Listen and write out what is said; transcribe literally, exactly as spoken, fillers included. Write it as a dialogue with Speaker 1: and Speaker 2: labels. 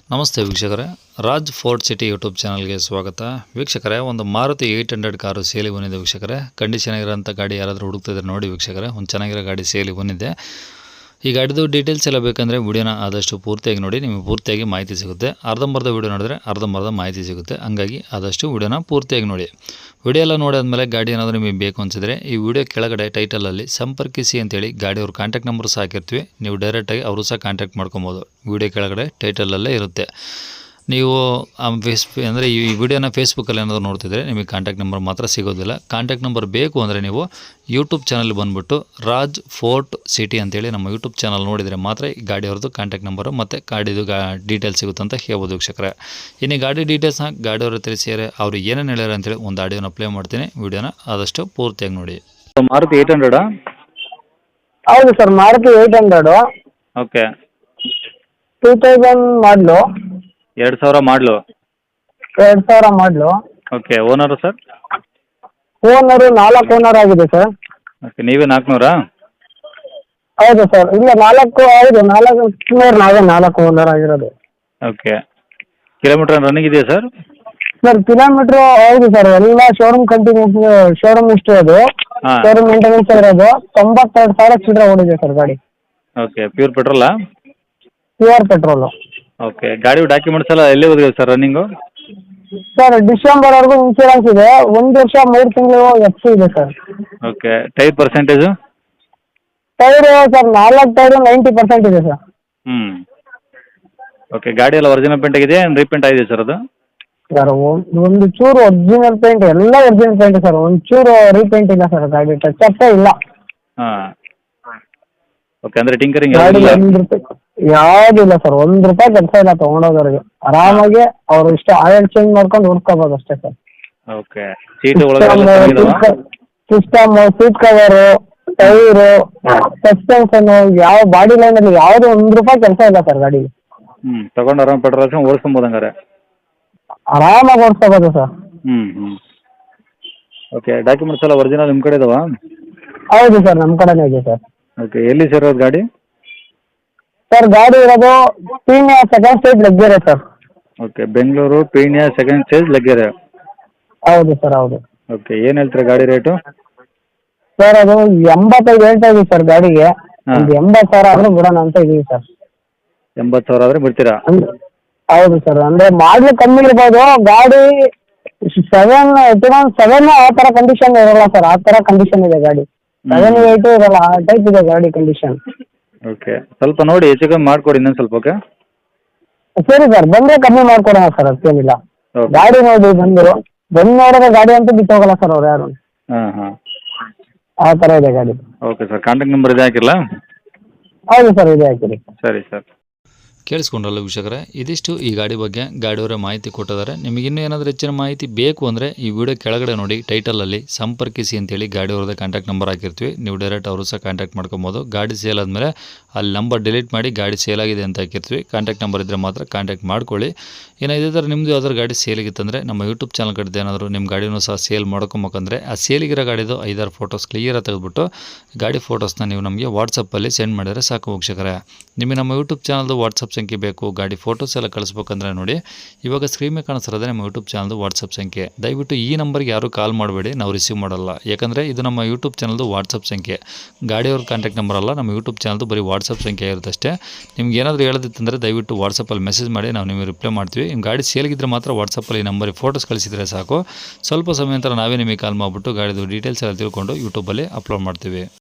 Speaker 1: ನಮಸ್ತೆ ವೀಕ್ಷಕರೇ, Raj fort city YouTube ಚಾನಲ್ಗೆ ಸ್ವಾಗತ. ವೀಕ್ಷಕರೇ, ಒಂದು ಮಾರುತಿ ಏಯ್ಟ್ ಹಂಡ್ರೆಡ್ ಕಾರು ಸೇಲಿಗೆ ಬಂದಿದೆ ವೀಕ್ಷಕರೇ. ಕಂಡೀಷನ್ ಆಗಿರೋಂಥ ಗಾಡಿ ಯಾರಾದರೂ ಹುಡುಕ್ತಿದ್ರೆ ನೋಡಿ ವೀಕ್ಷಕರೇ, ಒಂದು ಚೆನ್ನಾಗಿರೋ ಗಾಡಿ ಸೇಲಿಗೆ ಬಂದಿದೆ. ಈ ಗಾಡಿದು ಡೀಟೇಲ್ಸ್ ಎಲ್ಲ ಬೇಕಂದರೆ ವಿಡಿಯೋನ ಆದಷ್ಟು ಪೂರ್ತಿಯಾಗಿ ನೋಡಿ, ನಿಮಗೆ ಪೂರ್ತಿಯಾಗಿ ಮಾಹಿತಿ ಸಿಗುತ್ತೆ. ಅರ್ಧಂಬರ್ಧ ವಿಡಿಯೋ ನೋಡಿದ್ರೆ ಅರ್ಧಂಬರ್ಧ ಮಾಹಿತಿ ಸಿಗುತ್ತೆ. ಹಂಗಾಗಿ ಆದಷ್ಟು ವಿಡಿಯೋನ ಪೂರ್ತಿಯಾಗಿ ನೋಡಿ. ವಿಡಿಯೋ ಎಲ್ಲ ನೋಡಿದ್ಮೇಲೆ ಗಾಡಿ ಏನಾದರೂ ನಿಮಗೆ ಬೇಕು ಅನಿಸಿದ್ರೆ ಈ ವಿಡಿಯೋ ಕೆಳಗಡೆ ಟೈಟಲಲ್ಲಿ ಸಂಪರ್ಕಿಸಿ ಅಂತೇಳಿ ಗಾಡಿಯವ್ರ ಕಾಂಟ್ಯಾಕ್ಟ್ ನಂಬರ್ ಸಹ ಹಾಕಿರ್ತೀವಿ. ನೀವು ಡೈರೆಕ್ಟಾಗಿ ಅವರು ಸಹ ಕಾಂಟ್ಯಾಕ್ಟ್ ಮಾಡ್ಕೊಬೋದು. ವಿಡಿಯೋ ಕೆಳಗಡೆ ಟೈಟಲಲ್ಲೇ ಇರುತ್ತೆ. ನೀವು ಆ ಫೇಸ್ ಅಂದರೆ ಈ ವಿಡಿಯೋನ ಫೇಸ್ಬುಕ್ಕಲ್ಲಿ ಏನಾದರೂ ನೋಡ್ತಿದ್ರೆ ನಿಮಗೆ ಕಾಂಟ್ಯಾಕ್ಟ್ ನಂಬರ್ ಮಾತ್ರ ಸಿಗೋದಿಲ್ಲ. ಕಾಂಟ್ಯಾಕ್ಟ್ ನಂಬರ್ ಬೇಕು ಅಂದರೆ ನೀವು ಯೂಟ್ಯೂಬ್ ಚಾನಲ್ ಬಂದುಬಿಟ್ಟು ರಾಜ್ ಫೋರ್ಟ್ ಸಿಟಿ ಅಂತೇಳಿ ನಮ್ಮ ಯೂಟ್ಯೂಬ್ ಚಾನಲ್ ನೋಡಿದರೆ ಮಾತ್ರ ಈ ಗಾಡಿಯವ್ರದ್ದು ಕಾಂಟ್ಯಾಕ್ಟ್ ನಂಬರು ಮತ್ತು ಗಾಡಿದು ಗಾ ಡೀಟೇಲ್ಸ್ ಸಿಗುತ್ತೆ ಅಂತ ಹೇಳ್ಬೋದು ವೀಕ್ಷಕರೇ. ಇನ್ನು ಗಾಡಿ ಡೀಟೇಲ್ಸ್ನ ಗಾಡಿಯವ್ರ ತಿಳಿಸಿದರೆ ಅವರು ಏನೇನು ಹೇಳ್ಯಾರ ಅಂತೇಳಿ ಒಂದು ಆಡಿಯೋನ ಪ್ಲೇ ಮಾಡ್ತೀನಿ. ವಿಡಿಯೋನ ಆದಷ್ಟು ಪೂರ್ತಿಯಾಗಿ ನೋಡಿ.
Speaker 2: ಮಾರುತಿ ಏಯ್ಟ್ ಹಂಡ್ರೆಡಾ?
Speaker 3: ಹೌದು sir, Maruti eight hundred
Speaker 2: okay.
Speaker 3: Two thousand ಮಾಡಲು,
Speaker 2: ಎರಡು ಸಾವಿರ ಮಾಡಲು.
Speaker 3: ಎರಡು ಸಾವಿರ ಮಾಡಲು.
Speaker 2: ಓಕೆ. Owner sir?
Speaker 3: ಓನರು ನಾಲ್ಕು ಓನರ್ ಆಗಿದೆ ಸರ್.
Speaker 2: ಓಕೆ. ನೀವೇ ನಾಲ್ಕುನೂರಾ?
Speaker 3: ಹೌದು ಸರ್. ಇಲ್ಲ, ನಾಲ್ಕು ಹೌದು ನಾಲ್ಕು ನೂರು ನಾವೇ ನಾಲ್ಕು ಓನರ್ ಆಗಿರೋದು.
Speaker 2: ಓಕೆ. ಕಿಲೋಮೀಟ್ರ್ ರನ್ನಿಂಗ್ ಇದೆಯಾ ಸರ್?
Speaker 3: ಸರ್ ಕಿಲೋಮೀಟ್ರು ಹೌದು ಸರ್, ಎಲ್ಲ ಶೋರೂಮ್ ಕಂಟಿನ್ಯೂಸ್ ಶೋರೂಮ್ ಇಷ್ಟು ಅದು
Speaker 2: ಹಾಂ.
Speaker 3: ಶೋರೂಮ್ ಮೇಂಟೆನೆನ್ಸ್ ಇರೋದು ತೊಂಬತ್ತೆರಡು ಸಾವಿರ ಚಿಲ್ಲರೆ ಓಡಿದೆ ಸರ್ ಗಾಡಿ.
Speaker 2: ಓಕೆ. ಪ್ಯೂರ್ ಪೆಟ್ರೋಲಾ?
Speaker 3: Pure petrol.
Speaker 2: ಓಕೆ. ಗಾಡಿ ಡಾಕ್ಯುಮೆಂಟ್ಸ್ ಎಲ್ಲ ಎಲ್ಲಿ ಹೋಗಿದೆ ಸರ್ ರನ್ನಿಂಗು?
Speaker 3: ಸರ್ ಡಿಸೆಂಬರ್ವರೆಗೂ ಇನ್ಶೂರೆನ್ಸ್ ಇದೆ. ಒಂದು ವರ್ಷ ಮೂರು ತಿಂಗಳು ಎಫ್ ಸಿ ಇದೆ sir.
Speaker 2: Okay. Tyre percentage?
Speaker 3: Tyre sir ನಾಲ್ಕು ಟೈರು ನೈಂಟಿ ಪರ್ಸೆಂಟ್ ಇದೆ ಸರ್.
Speaker 2: ಹ್ಞೂ. ಓಕೆ. ಗಾಡಿ ಎಲ್ಲ ಒರಿಜಿನಲ್ ಪೇಂಟ್ ಆಗಿದೆ, ಏನು ರೀಪೇಂಟ್ ಆಗಿದೆ ಸರ್ ಅದು?
Speaker 3: ಸರ್ ಒಂದು ಚೂರು ಒರಿಜಿನಲ್ ಪೇಂಟ್, ಎಲ್ಲ ಒರಿಜಿನಲ್ ಪೇಂಟ್ ಸರ್. ಒಂದು ಚೂರು ರೀಪೇಂಟ್ ಇಲ್ಲ ಸರ್, ಗಾಡಿ ಟಚ್ ಅಪ್ಪೇ ಇಲ್ಲ.
Speaker 2: ಹಾಂ. ಓಕೆ. ಅಂದರೆ ಟಿಂಕರಿಂಗ್
Speaker 3: ಗಾಡಿ
Speaker 2: ಇಲ್ಲ?
Speaker 3: ಒಂದು ರೂಪಾಯಿ ಯಾವುದಿಲ್ಲ ಸರ್, ಒಂದು ರೂಪಾಯಿ ಕೆಲಸ ಇಲ್ಲ ತೊಗೊಂಡೋದವ್ರಿಗೆ. ಆರಾಮಾಗಿ ಅವರು ಇಷ್ಟ ಆಯಿಲ್ ಚೇಂಜ್ ಮಾಡ್ಕೊಂಡು ಹುಡ್ಕೋಬೋದು ಅಷ್ಟೇ ಸರ್.
Speaker 2: ಓಕೆ. ಸೀಟು ಒಳಗೆ ಎಲ್ಲ ಚೆನ್ನಾಗಿದಾವಾ?
Speaker 3: System, seat cover, tyre, suspension, ಯಾವ ಬಾಡಿ ಲೈನಲ್ಲಿ ಯಾವುದು ಒಂದು ರೂಪಾಯಿ ಕೆಲಸ ಇಲ್ಲ ಸರ್ ಗಾಡಿಗೆ.
Speaker 2: ಹ್ಞೂ. ತೊಗೊಂಡು ಆರಾಮ್ ಪೆಟ್ರೋಲ್ ಹಾಕ್ಸ್ಕೊಂಡು ಓಡಿಸ್ಕೊಬೋದು ಹಂಗಾರೆ?
Speaker 3: ಆರಾಮಾಗಿ ಓಡಿಸ್ಕೋಬೋದು ಸರ್.
Speaker 2: ಹ್ಞೂ ಹ್ಞೂ. ಓಕೆ. ಡಾಕ್ಯುಮೆಂಟ್ಸ್ ಎಲ್ಲ ಒರಿಜಿನಲ್ ನಿಮ್ಮ ಕಡೆ ಇದಾವಾ?
Speaker 3: ಹೌದು ಸರ್, ನಮ್ಮ ಕಡೆನೇ ಇದೆ ಸರ್.
Speaker 2: ಓಕೆ. ಎಲ್ಲಿ ಸರ್ ಅದು ಗಾಡಿ?
Speaker 3: ಸರ್ ಗಾಡಿ ಇರೋದು Peenya second stage Laggere sir.
Speaker 2: Okay. Bengaluru Peenya second stage Laggere.
Speaker 3: ಹೌದು ಸರ್, ಹೌದು.
Speaker 2: ಓಕೆ. ಏನು ಹೇಳ್ತೀರಾ ಗಾಡಿ ರೇಟು?
Speaker 3: ಸರ್ ಅದು ಎಂಬತ್ತೈದು ಹೇಳ್ತಾ ಇದೀವಿ ಸರ್ ಗಾಡಿಗೆ.
Speaker 2: ಹಾಂ.
Speaker 3: ಒಂದು ಎಂಬತ್ತು ಸಾವಿರ ಆದರೂ ಬಿಡೋಣ ಅಂತ ಇದೀವಿ ಸರ್.
Speaker 2: ಎಂಬತ್ತು ಸಾವಿರ ಆದರೆ ಬಿಡ್ತೀರಾ?
Speaker 3: ಅಂದ್ರೆ ಹೌದು ಸರ್, ಅಂದರೆ ಮಾಡಲು ಕಮ್ಮಿ ಇರ್ಬೋದು. ಗಾಡಿ ಸೆವೆನ್ ಎತ್ಕೊಂಡು ಸೆವೆನ್ ಆ ಥರ ಕಂಡೀಷನ್ ಇರೋಲ್ಲ ಸರ್. ಆ ಥರ ಕಂಡೀಷನ್ ಇದೆ ಗಾಡಿ. ಸೆವೆನ್ ಏಯ್ಟು ಇರೋಲ್ಲ, ಆ ಟೈಪ್ ಇದೆ ಗಾಡಿ ಕಂಡೀಷನ್.
Speaker 2: ಓಕೆ. ಸ್ವಲ್ಪ ನೋಡಿ ಹೆಚ್ಚು ಕಮ್ಮಿ ಮಾಡಿಕೊಡಿ ಇನ್ನೊಂದು ಸ್ವಲ್ಪ. ಓಕೆ.
Speaker 3: ಸರಿ ಸರ್, ಬಂದರೆ ಕಮ್ಮಿ ಮಾಡ್ಕೊಡೋಣ ಸರ್, ಅದಕ್ಕೇನಿಲ್ಲ.
Speaker 2: ಓಕೆ.
Speaker 3: ಗಾಡಿ ನೋಡಿ ಬಂದರು, ಬಂದು ನೋಡಿದ್ರೆ ಗಾಡಿ ಅಂತೂ ಬಿಟ್ಟು ಹೋಗಲ್ಲ ಸರ್ ಅವ್ರು ಯಾರು.
Speaker 2: ಹಾಂ ಹಾಂ.
Speaker 3: ಆ ಥರ ಇದೆ ಗಾಡಿ.
Speaker 2: Okay sir. ಕಾಂಟ್ಯಾಕ್ಟ್ ನಂಬರ್ ಇದೆ ಹಾಕಿರಲಾ?
Speaker 3: ಹೌದು ಸರ್, ಇದೆ ಹಾಕಿರಿ.
Speaker 2: ಸರಿ ಸರ್.
Speaker 1: ಕೇಳಿಸ್ಕೊಂಡ್ರಲ್ಲ ವೀಕ್ಷಕರೇ, ಇದಿಷ್ಟು ಈ ಗಾಡಿ ಬಗ್ಗೆ ಗಾಡಿಯವರ ಮಾಹಿತಿ ಕೊಟ್ಟಿದ್ದಾರೆ. ನಿಮಗೆ ಇನ್ನೂ ಏನಾದರೂ ಹೆಚ್ಚಿನ ಮಾಹಿತಿ ಬೇಕು ಅಂದರೆ ಈ ವಿಡಿಯೋ ಕೆಳಗಡೆ ನೋಡಿ ಟೈಟಲಲ್ಲಿ ಸಂಪರ್ಕಿಸಿ ಅಂತೇಳಿ ಗಾಡಿಯವ್ರದ್ದು ಕಾಂಟ್ಯಾಕ್ಟ್ ನಂಬರ್ ಹಾಕಿರ್ತೀವಿ. ನೀವು ಡೈರೆಕ್ಟ್ ಅವರು ಸಹ ಕಾಂಟ್ಯಾಕ್ಟ್ ಮಾಡ್ಕೊಬೋದು. ಗಾಡಿ ಸೇಲ್ ಆದಮೇಲೆ ಅಲ್ಲಿ ನಂಬರ್ ಡಿಲೀಟ್ ಮಾಡಿ ಗಾಡಿ ಸೇಲ್ ಆಗಿದೆ ಅಂತ ಹಾಕಿರ್ತೀವಿ. ಕಾಂಟ್ಯಾಕ್ಟ್ ನಂಬರ್ ಇದ್ದರೆ ಮಾತ್ರ ಕಾಂಟ್ಯಾಕ್ಟ್ ಮಾಡ್ಕೊಳ್ಳಿ. ಇನ್ನು ಇದೇ ಥರ ನಿಮ್ಮದು ಯಾವ್ದಾದ್ರು ಗಾಡಿ ಸೇಲಿಗಿತ್ತಂದರೆ ನಮ್ಮ ಯೂಟ್ಯೂಬ್ ಚಾನಲ್ ಕಡೆದು ಏನಾದರೂ ನಿಮ್ಮ ಗಾಡಿನೂ ಸಹ ಸೇಲ್ ಮಾಡ್ಕೊಬೇಕಂದ್ರೆ ಆ ಸೇಲಿಗಿರೋ ಗಾಡಿದು ಐದಾರು ಫೋಟೋಸ್ ಕ್ಲಿಯರಾಗಿ ತೆಗೆದುಬಿಟ್ಟು ಗಾಡಿ ಫೋಟೋಸ್ನ ನೀವು ನಮಗೆ ವಾಟ್ಸಪ್ಪಲ್ಲಿ ಸೆಂಡ್ ಮಾಡಿದರೆ ಸಾಕು ವೀಕ್ಷಕರೇ. ನಿಮಗೆ ನಮ್ಮ ಯೂಟ್ಯೂಬ್ ಚಾನಲ್ದು ವಾಟ್ಸಪ್ ಸಂಖ್ಯೆ ಬೇಕು, ಗಾಡಿ ಫೋಟೋಸ್ ಎಲ್ಲ ಕಳಿಸ್ಬೇಕಂದ್ರೆ ನೋಡಿ ಇವಾಗ ಸ್ಕ್ರೀನ್ ಮೇಲೆ ಕಾಣಿಸ್ತಿರೋದೇ ನಮ್ಮ ಯೂಟ್ಯೂಬ್ ಚಾನಲ್ದು ವಾಟ್ಸಪ್ ಸಂಖ್ಯೆ. ದಯವಿಟ್ಟು ಈ ನಂಬರ್ಗೆ ಯಾರೂ ಕಾಲ್ ಮಾಡಬೇಡಿ, ನಾವು ರಿಸೀವ್ ಮಾಡಲ್ಲ. ಯಾಕಂದರೆ ಇದು ನಮ್ಮ ಯೂಟ್ಯೂಬ್ ಚಾನಲ್ದು ವಾಟ್ಸಪ್ ಸಂಖ್ಯೆ, ಗಾಡಿಯವ್ರ ಕಾಂಟ್ಯಾಕ್ಟ್ ನಂಬರ್ ಅಲ್ಲ. ನಮ್ಮ ಯೂಟ್ಯೂಬ್ ಚಾನಲ್ದು ಬರೀ ವಾಟ್ಸಪ್ ಸಂಖ್ಯೆ ಇರುತ್ತಷ್ಟೇ. ನಿಮ್ಗೆ ಏನಾದರೂ ಹೇಳೋದಿತ್ತಂದರೆ ದಯವಿಟ್ಟು ವಾಟ್ಸಪ್ಪಲ್ಲಿ ಮೆಸೇಜ್ ಮಾಡಿ, ನಾವು ನಿಮಗೆ ರಿಪ್ಲೈ ಮಾಡ್ತೀವಿ. ನಿಮ್ಮ ಗಾಡಿ ಸೇಲ್ಗಿದ್ರೆ ಮಾತ್ರ ವಾಟ್ಸಪ್ಪಲ್ಲಿ ಈ ನಂಬರಿಗೆ ಫೋಟೋಸ್ ಕಳಿಸಿದರೆ ಸಾಕು. ಸ್ವಲ್ಪ ಸಮಯ ನಂತರ ನಾವೇ ನಿಮಗೆ ಕಾಲ್ ಮಾಡಿಬಿಟ್ಟು ಗಾಡಿದು ಡೀಟೇಲ್ಸ್ ಎಲ್ಲ ತಿಳ್ಕೊಂಡು ಯೂಟ್ಯೂಬಲ್ಲಿ ಅಪ್ಲೋಡ್ ಮಾಡ್ತೀವಿ.